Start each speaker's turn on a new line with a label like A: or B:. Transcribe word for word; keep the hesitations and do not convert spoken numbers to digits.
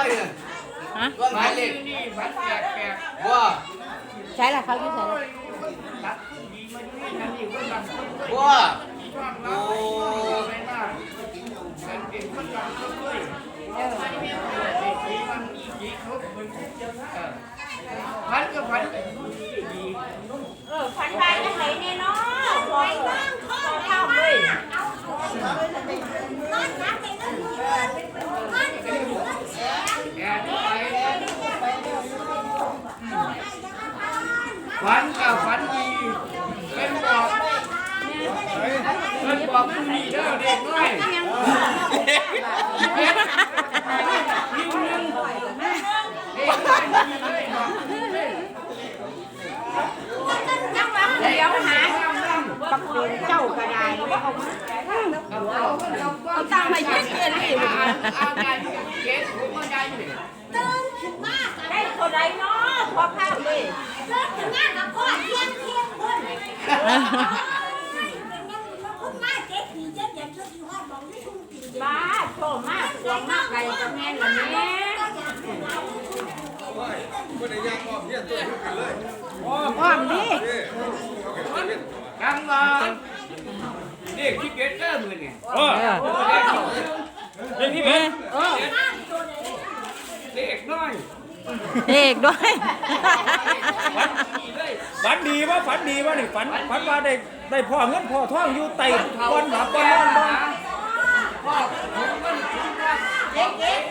A: อยเนี่ยฮะหมายเลขนี่บัตรแปลกแปลกว่า
B: ใช่ละเขาอยู่ใช่ละ
A: ว่าโอ้พันก็พัน
B: เออพันไปยังไงเนี่ยเนาะพอพอเข้าเลย
A: แอนไปฝันกับฝันดีเป็นบอกเป็นบอกผู้ดีเด้อเด็กน้อยยิงหนึ่งเด็กน้อยยิงเลยบอก
B: เดี๋ยวหาปักปืนเจ้ากระไดเอาตั้งมาเย็นเย็นนี่
A: เอาได้เก็บผมก็ได้อยู่
B: ตื่นขึ้นมาได้คนใดเนาะพอข้าวเลยตื่นขึ้นมากับพ่อเที่ยงเที่ยงคนคุณมาเจ๊ผีเจ๊เด็กชุดที่ห้องบอกไม่ถูกผีบ้าโชว์มากลองมากไกลกับแม่ละแม่
C: ไม่ได้ย่างอ้อมเนี่ยตัวขึ้นกันเลย
B: อ้อมดิ
A: กังวานนี่คิดเก็ตเตอร์มือเนี่ย
D: เออเด็กที่เป็น
A: เด็กน้อย
B: เด็กด้วย
D: ฝันดีว่าฝันดีว่านี่ฝันฝันว่าได้ได้พ่อเงินพ่อทองอยู่ไต่ก้อนหมาก้อนนอนบ้าน
A: พ่อผมมันเด็ก